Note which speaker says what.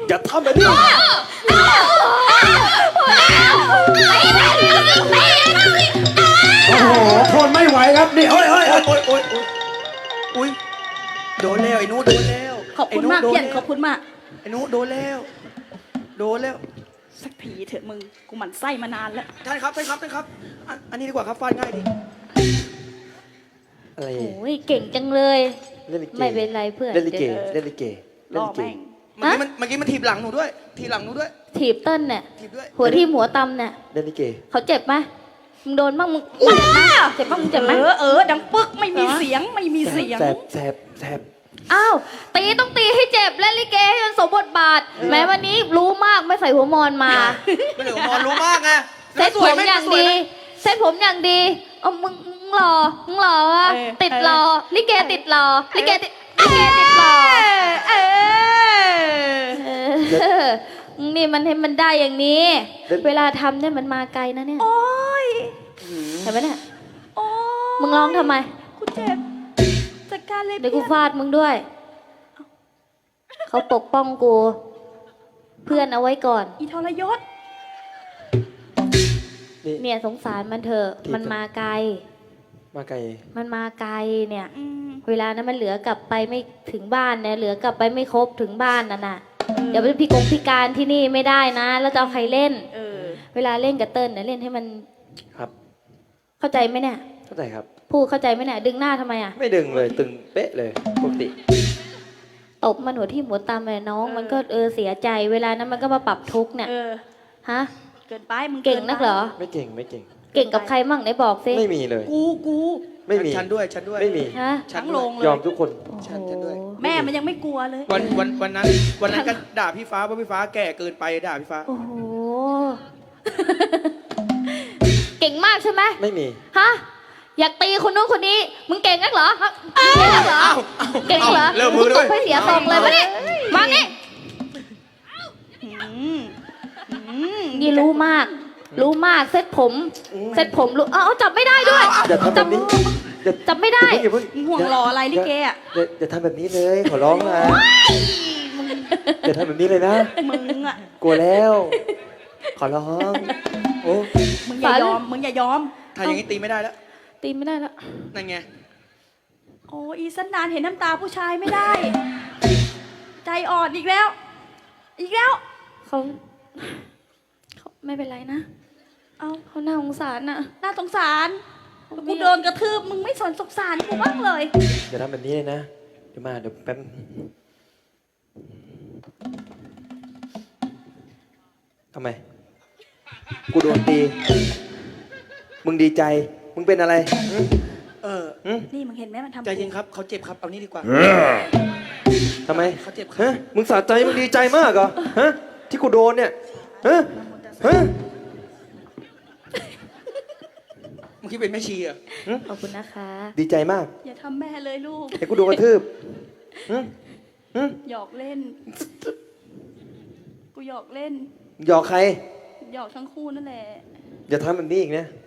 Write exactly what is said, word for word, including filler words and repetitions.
Speaker 1: อย่าทำแบบนี้โอ้โหทนไม่ไหวครับนี่โอ้ยโอ้ยโอ้ยโอ้ยโอ้ยอุ้ยโดนแล้วไอ้นู้โดนแล้ว
Speaker 2: ขอบคุณมากเพี้ยนขอบคุณมาก
Speaker 1: ไอ้นู้โดนแล้วโดนแล้ว
Speaker 2: สักทีเถอะมึงกูหมั่นไส้มานานแล้ว
Speaker 1: ท่านครับท่านครับท่านครับอันนี้ดีกว่าครับฟาดง่ายดีอะไร
Speaker 3: โอ้ยเก่งจังเลยไม่เป็นไรเพื่อน
Speaker 1: เล่นลิเกเล่นลิเก
Speaker 2: ล่อแม่ง
Speaker 1: เมื่อกี้มันเมื่อกี้มันถีบหลังหนูด้วยถีบหลังหนูด้วย
Speaker 3: ถีบเต้นเนี่ย
Speaker 1: ถีบด้วย
Speaker 3: หัวที่หัวตำเนี่ย
Speaker 1: เล่นลิเก
Speaker 3: เขาเจ็บไหมมึงโดนบ้างมึงเจ็บบ้างมึงเจ็บไหม
Speaker 2: เออเออดังปึ๊กไม่มีเสียงไม่มีเสียง
Speaker 1: แสบแสบแสบ
Speaker 3: อ้าวตีต้องตีให้เจ็บเล่นลิเกให้มันสมบทบาทแม้วันนี้รู้มากไม่ใส่หัวมอนมา
Speaker 1: ไม่ใส่หัวมอนรู้มากไง
Speaker 3: เซ็ตผมอย่างดีเซ็ตผมอย่างดีเอามึงมึงหล่อมึงหล่อวะติดหล่อลิเกติดหล่อลิเกติดลิเกติดหล่อเออนี่มันให้มันได้อย่างนี้เวลาทำเนี่ยมันมาไกลนะเนี่ย
Speaker 2: โอ้ย
Speaker 3: เห็นไหมเนี่ย
Speaker 2: โอ้
Speaker 3: มึงร้องทำไม
Speaker 2: กูเจ็บจัดการเลย
Speaker 3: เดี๋ยวกูฟาดมึงด้วยเขาปกป้องกูเพื่อนเอาไว้ก่อน
Speaker 2: อีทรยศ
Speaker 3: เนี่ยสงสารมันเถอะมันมาไกล
Speaker 1: มาไกล
Speaker 3: มันมาไกลเนี่ยเวลานั้นมันเหลือกลับไปไม่ถึงบ้านเนี่ยเหลือกลับไปไม่ครบถึงบ้านน่ะน่ะเดี๋ยวเป็นพิกงพิการที่นี่ไม่ได้นะแล้วจะเอาใครเล่นเออเวลาเล่นกับเติ้ลเนี่ยเล่นให้มัน
Speaker 1: ครับ
Speaker 3: เข้าใจไหมเนี่ย
Speaker 1: เข้าใจครับ
Speaker 3: พูดเข้าใจไหมเนี่ยดึงหน้าทำไมอ่ะ
Speaker 1: ไม่ดึงเลยตึงเป๊ะเลยปกติ
Speaker 3: ตบมันหัวที่หัวตามเลยน้องมันก็เออเสียใจเวลานั้นมันก็มาปรับทุกข์เนี่ยฮะ
Speaker 2: เกินไปมึง
Speaker 3: เก่งนักเหรอ
Speaker 1: ไม่เก่งไม่เก่ง
Speaker 3: เก่งกับใครมั่งไหนบอกสิ
Speaker 1: ไม่มีเลย
Speaker 2: กูกู
Speaker 1: ไม่มีฉันด้วยฉันด้วยไม่มี
Speaker 2: ฉันลงเลย
Speaker 1: ยอมทุกคนฉันฉันด้วย
Speaker 2: แม่มันยังไม่กลัวเลย
Speaker 1: วันวันวันนั้นวันนั้นก็ด่าพี่ฟ้าเพราะพี่ฟ้าแก่เกินไปด่าพี่ฟ้า
Speaker 3: โอ้โหเก่งมากใช่ไหม
Speaker 1: ไม่มี
Speaker 3: ฮะอยากตีคนนู้นคนนี้มึงเก่งนักเหรอเก่งนักเหรอเก่งเหรอมึงตบให้เสียทรงเลยมาเนี่ยมาเนี่ยนี่รู้มากรู้มากเซ็ตผมเซ็ตผมรู้เอ้าจับไม่ได้ด้วย
Speaker 1: จับ
Speaker 3: จับไม่ได้
Speaker 2: ห่วงรออะไรลิเกอ่ะ
Speaker 1: อย่าทำแบบนี้เลยขอร้องนะอย่าทำแบบนี้เลยนะ
Speaker 2: มึงอ่ะ
Speaker 1: กลัวแล้วขอร้องโอ้
Speaker 2: มึงอย่ายอมมึงอย่ายอม
Speaker 1: ถ้าอย่างนี้ตีไม่ได้แล้ว
Speaker 3: ตีไม่ได้แล้ว
Speaker 1: นั่นไง
Speaker 2: โอ้อีสันดานเห็นน้ำตาผู้ชายไม่ได้ใจอ่อนอีกแล้วอีกแล้ว
Speaker 3: เขาเขาไม่เป็นไรนะเอาเขาหน้าสงสารน่ะ
Speaker 2: น่าสงสารกูโดนกระทืบมึงไม่สนสงสารกูบ้างเลย
Speaker 1: อย่าทำแบบนี้เลยนะเดี๋ยวมาเดี๋ยวแป๊บทำไมกูโดนตีมึงดีใจมึงเป็นอะไรเออ
Speaker 2: นี่มึงเห็นไหมมันทำ
Speaker 1: ใจเย็นครับเขาเจ็บครับเอานี่ดีกว่าทำไมเขาเจ็บฮะมึงสะใจมึงดีใจมากเหรอฮะที่กูโดนเนี่ยฮะฮะมึงคิดเป็นแม่ชีอ่ะ
Speaker 3: ขอบคุณนะคะ
Speaker 1: ดีใจมาก
Speaker 2: อย่าทำแม่เลยลูก
Speaker 1: ไอ้กูโดนกระทืบ
Speaker 2: หยอกเล่นกูหยอกเล่น
Speaker 1: หยอกใคร
Speaker 2: หยอกทั้งคู่นั่นแหละ
Speaker 1: อย่าทำแบบนี้อีกนะ